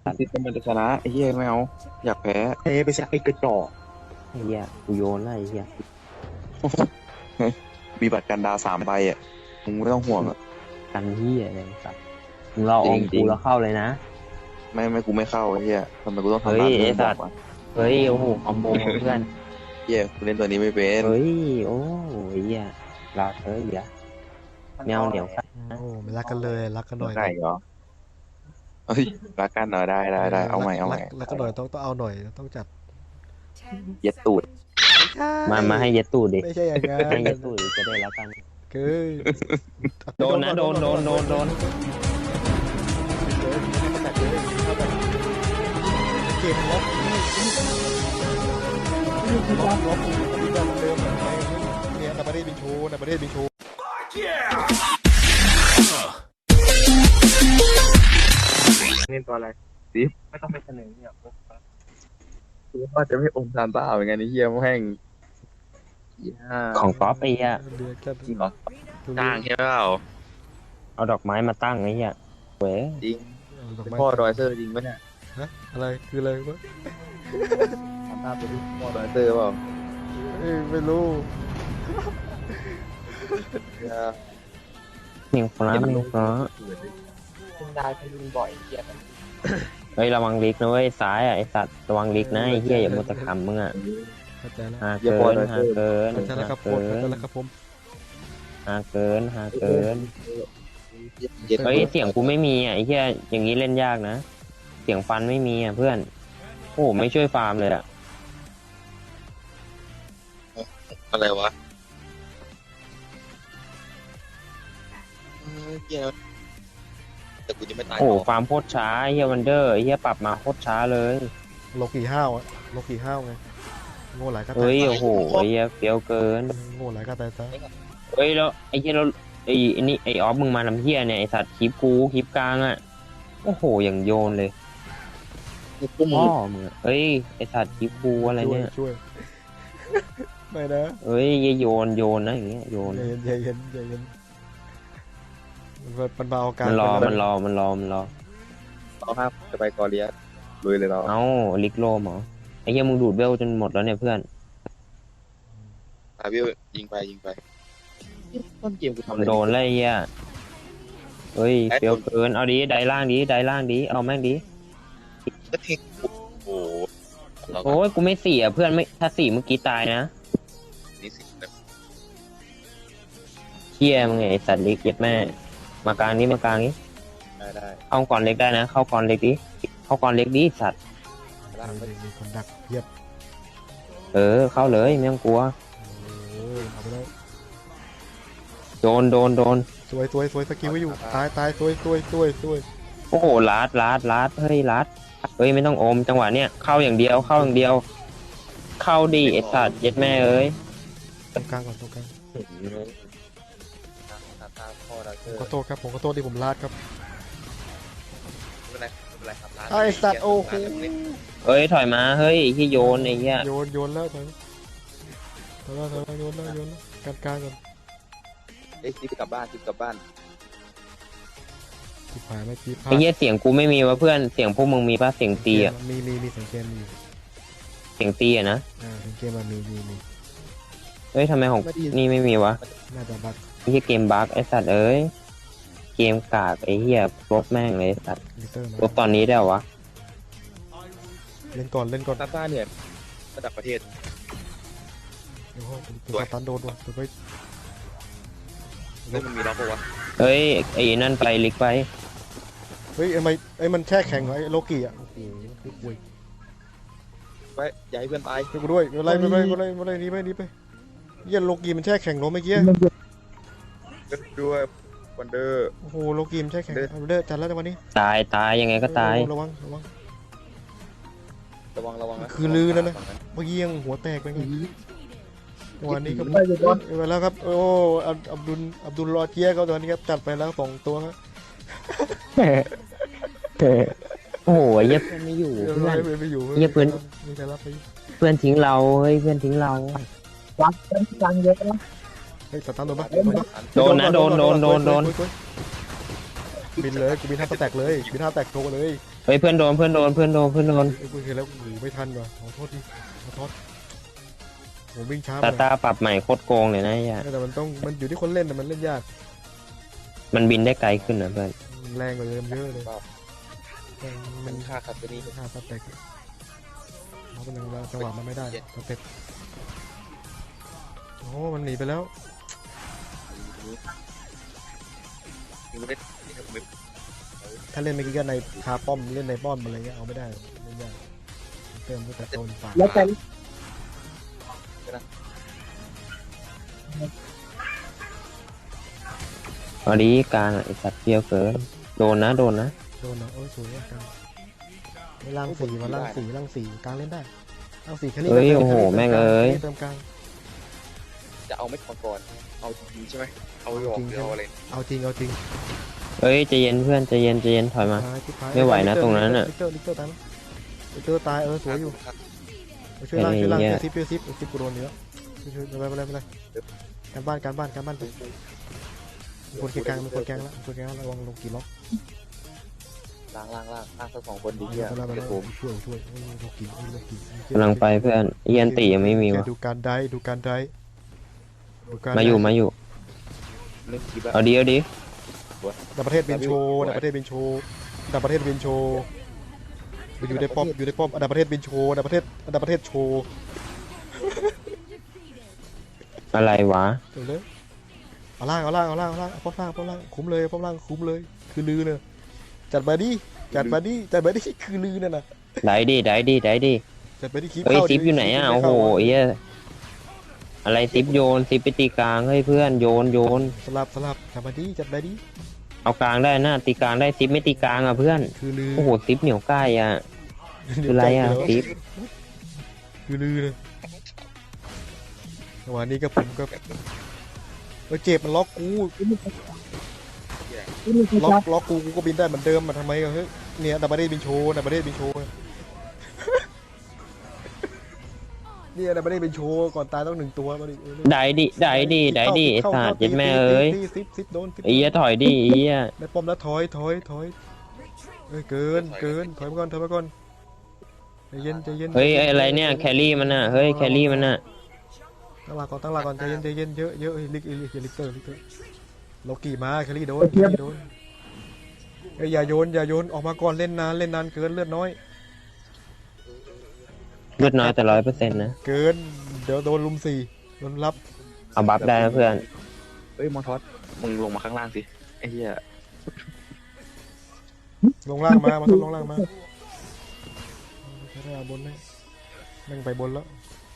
ซิสมันจะชนะไอ้เหี้ยไม่เอาอยากแพ้เทไปสักไอ้กระจอกไอ้เหี้ยกูโยนแล้วไอ้เหี้ยมีบัตรกันดาว3 ใบอ่ะมึงไม่ต้องห่วงอ่ะกันเหี้ยอะไรสัตว์มึงรออมจริกูงๆแล้วเข้าเลยนะไม่กูไม่เข้าไอ้เหี้ยทำไมกูต้องเฮ้ทำยตามที่ไอ้มึงสับอตกว์วะเฮ้ยโอ้โหคอมโบเพื่อนเหี้ยกูเล่นตัวนี้ไม่เป็นเฮ้ยโอ้ไอ้เหี้ยรอเธอเหี้ยแมวเหนียวสัตว์โอ้ไม่รักกันเลยรักกันหน่อยไก่เหรอเฮ้ยรักกันเหรอได้เอาใหม่รักกันหน่อยต้องเอาหน่อยต้องจัดเย็ดตูดมาให้เย็ดตูดดิไม่ใช่อย่างงั้นให้เย็ดตูดดิจะได้รักกันคือโดนนะโดนเกมล็อกเดิมเนี่ยในประเทศบินโชในประเทศบินโชเล่นตัวอะไรสิไม่ต้องไปเสนอเนี่ยกูว่าจะไม่อมซานต้าเหมือนกันไอ้เหี้ยแม่งเหี้ยของก๊อฟไอ้เหี้ยเดือดกันจริงเหรอจ้างใช่เปล่าเอาดอกไม้มาตั้งไอ้เหี้ยเว้ยจริงเป็นพ่อดอยเซอร์จริงปะเนี่ยฮะอะไรคืออะไรวะซานต้าเป็นพ่อดอยเซอร์เปล่าไม่รู้เหี้ยเมียงฟ้าเมียงฟ้าคุณได้คุณลุงบ่อยเกียร์เฮ้ยระวังลิกนะเว้ยซ้ายอ่ะไอ้สัตว์ระวังลิกนะไอ้เหี้ยอย่ามัวแต่ขำมึงอ่ะเข้าใจแล้วหาเกินเข้าใจแล้วครับผมเข้าใจแล้วครับผมหาเกินเย็ดเฮ้ยเสียงกูไม่มีอ่ะไอ้เหี้ยอย่างนี้เล่นยากนะเสียงฟันไม่มีอ่ะเพื่อนโอ้ไม่ช่วยฟาร์มเลยอ่ะอะไรวะเหี้ยแต่กูจะไม่ตายโอ้ฟาร์มโคตรช้าไอ้เหี้ยวันเดอร์ไอ้เหี้ยปรับมาโคตรช้าเลยโลกี่ห้าวอะโลกี่ห้าวไงโง่หลายก็ตายเฮ้ยโอ้โหไอ้เหี้ยเฟี้ยวเกินโง่หลายก็ตายซะเฮ้ยแล้วไอ้เหี้ยแล้วไอ้นี่ไอ้ออฟมึงมาทำเหี้ยเนี่ยไอ้สัตว์คลิปกูคลิปกลางอ่ะโอ้โหอย่างโยนเลยกูมึพ่งอมึงอะเฮ้ยไอ้สัตว์คลิปกูอะไรเนี่ยช่วยไม่นะเฮ้ยอย่าโยนนะอย่างเงี้ยโยนอย่าเย็นมันมาเอาการมันรอเราห้ามจะไปกอเลียลุยเลยเราเอ้าลิกโลมเหรอไอ้เหี้ยมึงดูดเวลจนหมดแล้วเนี่ยเพื่อนวิวยิงไปต้นเกมกูทำอะไรโดนเลยไอ้เหี้ยเฮ้ยเฟี้ยวเกินเอาดิได้ล่างดิเอาแม่งดิก็เทคโอ้โหเราก็โอ้ยกูไม่เสียเพื่อนไม่ถ้า4เมื่อกี้ตายนะนี่สิแบบเหี้ยมึงไงไอ้สัตว์ลิกเย็ดแม่มากลางนี้ได้เข้าก่อนเล็กได้นะเข้าก่อนเล็กดิสัตว์มีคนดักเยียบเข้าเลยไม่ต้องกลัวเอาไปแล้วโดนสวยสกิลไว้อยู่ตายสวยโอ้โหลัดเฮ้ยลัดเฮ้ยไม่ต้องอมจังหวะเนี้ยเข้าอย่างเดียวเข้าดิไอ้สัตว์เย็ดแม่เอ้ยตรงกลางก่อนตรงกลางผมขอโทษครับผมขอโทษที่ผมลาดครับไอ้สัตว์โอ้โหเฮ้ยถอยมาเฮ้ยที่โยนไอ้เหี้ยโยนแล้วถอยโยนแล้วกลางก่อนไอ้ซิปกลับบ้านที่ผ่านไม่กี่พลาไอ้ดเหี้ยเสียงกูไม่มีวะเพื่อนเสียงพวกมึงมีป่ะเสียงตีอ่ะมีสังเกตมีเสียงตีอ่ะนะสังเกตมันมีเฮ้ยทำไมของนี่ไม่มีวะน่าจะบักไอ้เหี้ยเกมบั๊กไอ้สัตว์เอ้ยเกมกากไอ้เหี้ยลบแม่งเลยไอ้สัตว์ลิเตอร์ลบตอนนี้ได้เหรอวะเล่นก่อนซาต้าเนี่ยระดับประเทศเดี๋ยวตัวตันโดนว่ะตัวไปแล้วมันมีล็อกปะวะเฮ้ยไอ้นั่นไปลิกไปเฮ้ยไอ้มันแช่แข็งเหรอไอ้โลกี้อ่ะโอ้โหคุยไว้อย่าให้เพื่อนตายช่วยกูด้วยอะไรนี่ไปเยี่ยโลกี้มันแช่แข็งเหรอเมื่อกี้ด้วยวันเดอร์โอ้โหโลกี้มันแช่แข็งเด้อจัดแล้วในวันนี้ตายยังไงก็ตายระวังระวังนะคือลือแล้วนะ เมื่อกี้ยังหัวแตกไปไงวันนี้ก็ไปแล้วครับโอ้อับดุลรอเจียเขาตอนนี้ครับจัดไปแล้ว2 ตัวครับโอ้โหเหี้ยเพื่อนไม่อยู่เพื่อนไม่อยู่เหี้ยเพื่อนมีใครรับไปเพื่อนทิ้งเราเฮ้ยเพื่อนทิ้งเราวัดเป็นกลางเยอะนะเฮ้ยตันโดนปะโดนนะโดนบินเลยกูบิน5 แตกเลยบิน5 แตกโชว์เลยเฮ้ยเพื่อนโดนเพื่อนโดนเพื่อนโดนเพื่อนโดนไอ้กูเห็นแล้วโอ้โหไม่ทันว่ะขอโทษดิขอโทษผมวิ่งช้าตาไปตาปรับใหม่โคตรโกงเลยนะไอ้เหี้ยแต่มันอยู่ที่คนเล่นแต่มันเล่นยากมันบินได้ไกลขึ้นนะเพื่อนแรงกว่าเดิมเยอะเลยมัมัน นฆ่าคาเฟนี่ฆ่าสเต็กเขาเป็นจังหวะมันไม่ได้สเต็กโอ้มันหนีไปแล้ว ถ้าเล่นเมื่อกี้ก็ในคาป้อมเล่นในป้อมอะไรเงี้ยเอาไม่ได้เล่นยากเติมด้วยแต่โซนฝาแล้วแต่พอดีกลางอะไอสัตว์เปรี้ยวเกินโดนนะโดนนะโดนนะโอ้ยสวยมากกันไม่ล่างสี่มาล่างสี่กลางเล่นได้ล่างสี่แค่นี้เฮ้ยโอ้โหแม่งเอ้ยเติมกลางจะเอาไม่ก่อนก่อนเอาจริงใช่ไหมเอาหยอกหรือเอาอะไรเอาจริงเอาจริงเฮ้ยใจเย็นเพื่อนใจเย็นใจเย็นถอยมา ไม่ไหวนะตรงนั้นน่ะลิกเตอร์ตายลิกเตอร์ตายสวยอยู่ช่วยล่างช่วยซิปกูโดนเยอะช่วยไม่เป็นไรการบ้านคนเกียร์กลางแล้วระวังลงกี่ล็อกล่างสัก2 คนดีเหี้ยเดี๋ยวผมช่วยลงกี่กำลังไปเพื่อนเอียนตียังไม่มีวะดูการได้มาอยู่เล่นคลิปอะเอาดีเอาดีดับประเทศเป็นโชว์ดับประเทศเป็นโชว์อยู่ในป้อมดับประเทศเป็นโชว์ดับประเทศโชว์อะไรวะเดี๋ยวเลยเอาล่างป้อมล่างคุ้มเลยคือลือเนี่ยจัดมาดิคือลือเนี่ยนะได้ดิจัดไปดิคลิปเฮ้ยเข้าซิปอยู่ไหนอ่ะโอ้โหไอ้เหี้ยอะไรซิปโยนซิปไปตีกลางให้เพื่อนโยนสลับจัดมาดิเอากลางได้นะตีกลางได้ซิปไม่ตีกลางอ่ะเพื่อนคือลือโอ้โหซิปเหนียวใกล้อ่ะคืออะไรอ่ะซิปคือลือเลยวันนี้ก็ผมก็เจ็บมันล็อกกูล็อกกูก็บินได้เหมือนเดิมมาทำไมกันเฮ้ยเนี่ยดับเบิลเดบินโชว์เนี่ยดับเบิลเดบินโชว์ก่อนตายต้อง1 ตัวมาดิได้ดิไอ้สัตว์ยัดแม่เอ้ยซิปโดนไอ้เหี้ยถอยดิไอ้เหี้ยได้ป้อมแล้วถอยเกินถอยมาก่อนใจเย็นเฮ้ยไอ้อะไรเนี่ยแครี่มันน่ะเฮ้ยแครี่มันน่ะตั้งหลักก่อนใจเย็นเยอะลิกเตอร์โลกี้มาแครี่โดนอย่าโยนออกมาก่อนเล่นนานเกินเลือดน้อยเลือดน้อยแต่100%นะเกินเดี๋ยวโดนลุม4โดนรับเอาบัฟได้นะเพื่อนเฮ้ยมอทอสมึงลงมาข้างล่างสิไอ้เหี้ยลงล่างมาทุบลงล่างมาใช้ได้บนไหมแม่งไปบนแล้ว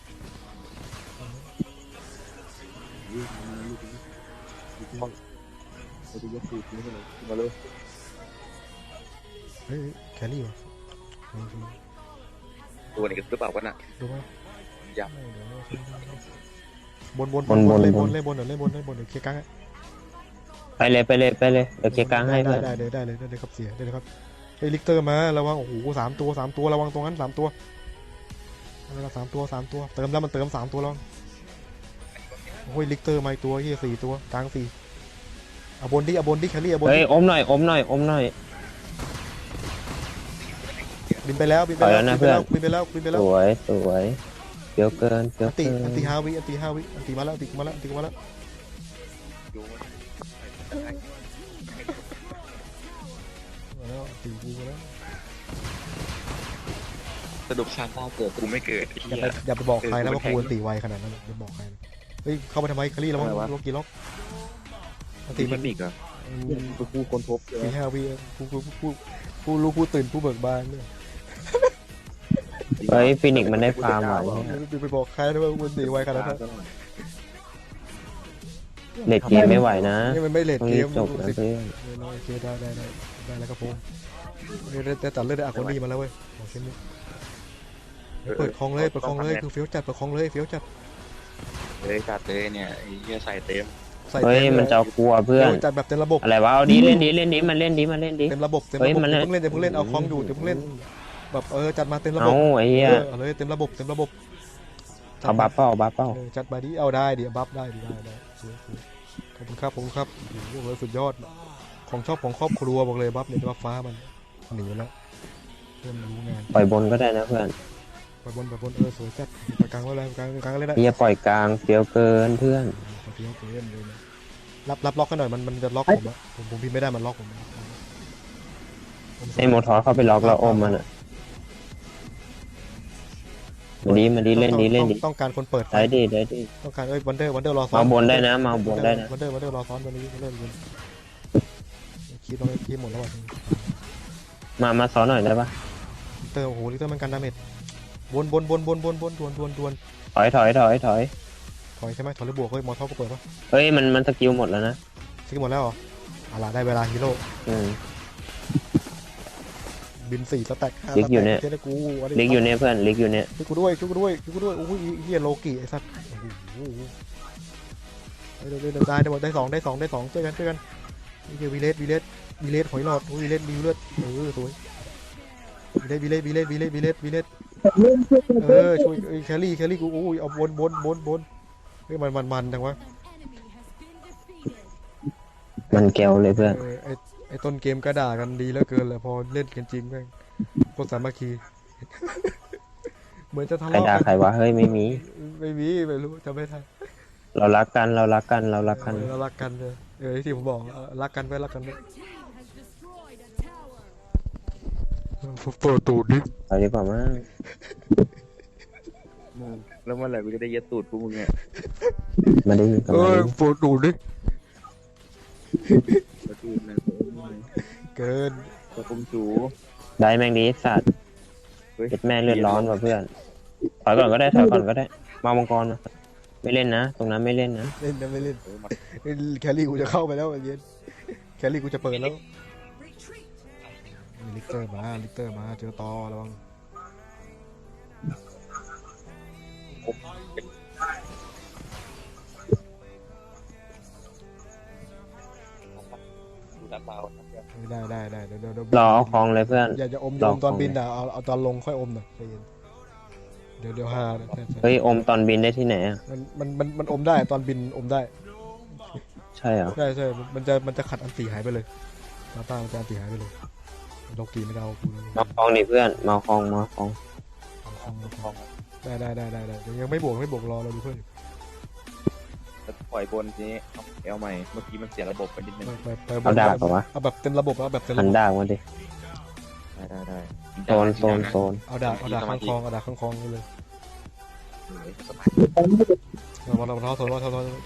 เฮ้ยแครี่วะตัวนี้หรือเปล่าวะน่ะดูไหมยับบนเล่นบนเดี๋ยวเคลียร์กลางไปเลยเดี๋ยวเคลียร์กลางให้เพื่อนได้เลยครับเสียได้เลยครับเฮ้ยลิกเตอร์มาระวังโอ้โห3 ตัวระวังตรงนั้น3 ตัวเติมแล้วมันเติม3 ตัวแล้วโอ้ยลิกเตอร์มาอีกตัวที่4 ตัวกลาง4เอาบนดิแครี่เอาบนเฮ้ยดิอมหน่อยบินไปแล้วถอยแล้วนะเพื่อนบินไปแล้วสวยเปรี้ยวเกินอันตี5 วิอันตีมาแล้วดูมาแล้วตีกูมาแล้วสรุปชาต้าเกิดกูไม่เกิดอย่าไปบอกใครนะว่ากูอันตีไวขนาดนั้นอย่าบอกใครเฮ้ยเข้าไปทำไมแครี่ระวังล็อกกี่ล็อกอันตีตีมัมัน นอีกเหรอกูคนพบเลยตี5 วิผู้รู้ผู้ตื่นผู้เบิกบานเนี่ยเฮ้ยฟินิกมันได้ฟาร์มว่ะไปบอกใครนะว่าอันตีไวขนาดนั้นเด็กเกมไม่ไหวนะนี่มันไม่เลทต้องเกรีมบจบนะเพื่อนโอเคได้แล้วครับผมได้ตัดเลือดได้คนดีมาแล้วเว้ยเช่นนี้เปิดคลองเลยคือเฟี้ยวจัดเปิดคลองเลยเฟี้ยวจัดเลยจัดเลยเนี่ยไอ้เหี้ยใส่เต็มเฮ้ยมันจะกลัวเพื่อนจัดแบบเต็มระบบอะไรวะเอาดีเล่นดีมันเล่นดีเต็มระบบเพิ่งเล่นเอาคลองอยู่เพิ่งเล่นแบบจัดมาเต็มระบบเอาไอ้เหี้ยเอาเลยเต็มระบบเอาบัฟเปล่าจัดมาดิเอาได้ดิบัฟได้ขอบคุณครับโอ้โหสุดยอดของชอบของครอบครัวบอกเลยบัฟเนี่ยบัฟฟ้ามันหนีแล้วเพื่อนรู้งานปล่อยบนก็ได้นะเพื่อนไปบนสวยจัดไปกลางไว้เลยกลางเลยได้อย่าปล่อยกลางเฟี้ยวเกินเพื่อนขอเที่ยวเล่นเลยนะรับล็อกกันหน่อยมันจะล็อกผมอะผมพิมพ์ไม่ได้มันล็อกผมไอ้โมทอสเข้าไปล็อกแล้วอมมันอ่ะมาดีเล่นดีต้องการคนเปิดไฟได้ดีต้องการวันเดอร์รอซ้อนมาบนได้นะมาบนได้นะวันเดอร์รอซ้อนวันนี้เล่นบนคิดว่าคิดหมดแล้วว่ะมาซ้อนหน่อยได้ปะเตอร์โอ้โหลิเตอร์มันกันดาเมจบนดวนถอยถอยใช่ไหมถอยหรือบวกเฮ้ยมอเท่าก็เปิดปะเฮ้ยมันสกิลหมดแล้วนะซื้อหมดแล้วเหรออะไรได้เวลาฮีโร่ บิน4สแต็ก5 ลิกอยู่เนี่ยสแต็กกูลิกอยู่เนี่ยเพื่อนลิกอยู่เนี่ยช่วยกูด้วยโอ้ยเฮียโลกิไอ้สัตว์โอ้โหได้สองช่วยกันนี่คือวีเลสหอยหลอดวีเลสมีเลือดสวยวีเลสช่วยแครี่กูโอ้ยเอาบนเฮ้ยมันจังวะมันแก้วเลยเพื่อนไอ้ต้นเกมก็ด่ากันดีแล้วเกินแหละพอเล่นกันจริงแม่งโคตรสามัคคี เหมือนจะทะใครเลาะด่ากันใครวะเฮ้ยไม่มีไม่รู้จำไม่ทันเรารักกันเรารักกันเลยที่ผมบอกรักกันไว้เปิดตูดดิเอาดีกว่ามั้งแล้วเมื่อไหร่กูจะได้ยัดตูดพวกมึงเนี่ยมาดีกันมาดีเปิดตูดดิยัดตูดเลยเกินกระปุมจูได้แม่งดีสัตว์เฮ้ยเจ็ดแม่เลือดร้อนว่ะเพื่อนถอยก่อนก็ได้มามังกรนะไม่เล่นนะตรงนั้นไม่เล่นนะเล่นนะไม่เล่นแครี่กูจะเข้าไปแล้วเย็นแครี่กูจะเปิดแล้วลิกเตอร์มาเจอตอระวังดูน้ำเปล่าได้เดี๋ยวรอเอาคลองเลยเพื่อนอย่าอมตอนบินเอาตอนลงค่อยอมหน่อยเดี๋ยวฮาเฮ้ยอมตอนบินได้ที่ไหนอ่ะมันอมได้ตอนบินอมได้ใช่เหรอใช่มันจะขัดอันตีหายไปเลยตามันจะอันตีหายไปเลยโลกีไม่ได้เอากูมาคลองดิเพื่อนมาคลองได้ยังไม่บวกรอเราดูเพื่อนจะปล่อยบนทีนี้เอาใหม่เมื่อกี้มันเสียระบบไปนิดนึงเอาดาบป่ะวะเอาแบบเต็มระบบเอาแบบเต็มหัระนบบดาบมาดิได้โซนเอาดาบข้างคลองไปเลยสบายเราทอด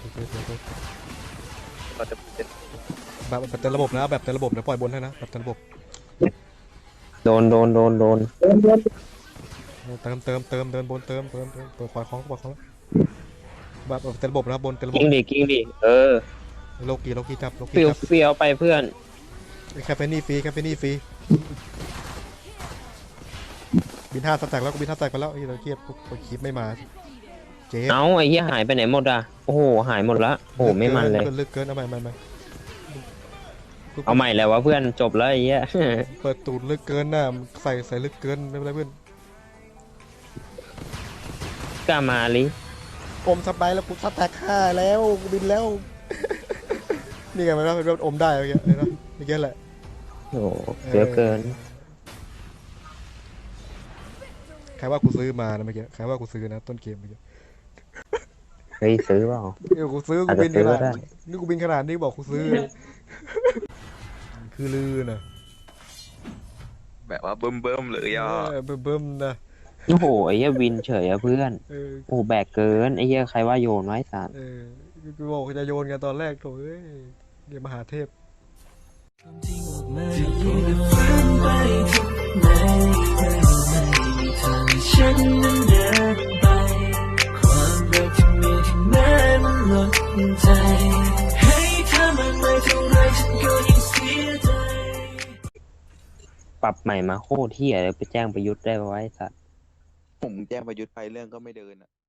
เราจะเป็นแบบเต็มระบบนะแบบเต็มระบบเดี๋ยวปล่อยบนให้นะแบบเต็มระบบโดนเติมบนเปิดควายคล้องแบบเต็มระบบนะบนเต็มระบบกิ้งดิโลกีจับเฟี้ยวไปเพื่อนแคปเฟนี่ฟรีบิน5สแต็กแล้วกูบิน5สแต็กไปแล้วเราเครียดคลิปไม่มาเจ๊เอ้าไอ้เหี้ยหายไปไหนหมดอ่ะโอ้โหหายหมดละโอ้โหไม่มันเลยลึกเกินเอาใหม่เอาใหม่แล้ววะเพื่อนจบแล้วไอ้เหี้ยเปิดตูดลึกเกินน่ะใส่ลึกเกินไม่เป็นไรเพื่อนกล้ามาลิอมสบายแล้วกูสแต็ก5แล้วกูบินแล้ว นี่ไงมันเป็นแบบอมได้เมื่อกี้นะนี่แค่แหละโอ้โหเฟี้ยวเกินใครว่ากูซื้อมานะเมื่อกี้ใครว่ากูซื้อนะต้นเกมเมื่อกี้เฮ้ยซื้อเปล่ากูซื้อกูบินขนาดนี่กูบินขนาดนี้บอกกูซื้อคือลือนะแบบว่าเบิ่มเลยอ่ะเบิ่มนะโอ้โหไอ้เหี้ยวินเฉยอะเพื่อนโอ้โหแบกเกินไอ้เหี้ยใครว่าโยนไว้สัตว์กูบอกจะโยนกันตอนแรกโถ่เอ้ยเดี๋ยวมหาเทพฉันนั้นเดินไปความรักที่มีถึงแม้มันหมดใจให้เธอมากมายเท่าไรฉันก็ยังเสียใจปรับใหม่มาโคตรเหี้ยเลยไปแจ้งประยุทธ์ได้ไว้สัตว์ผมแจ้งประยุทธ์ไปเรื่องก็ไม่เดินอ่ะ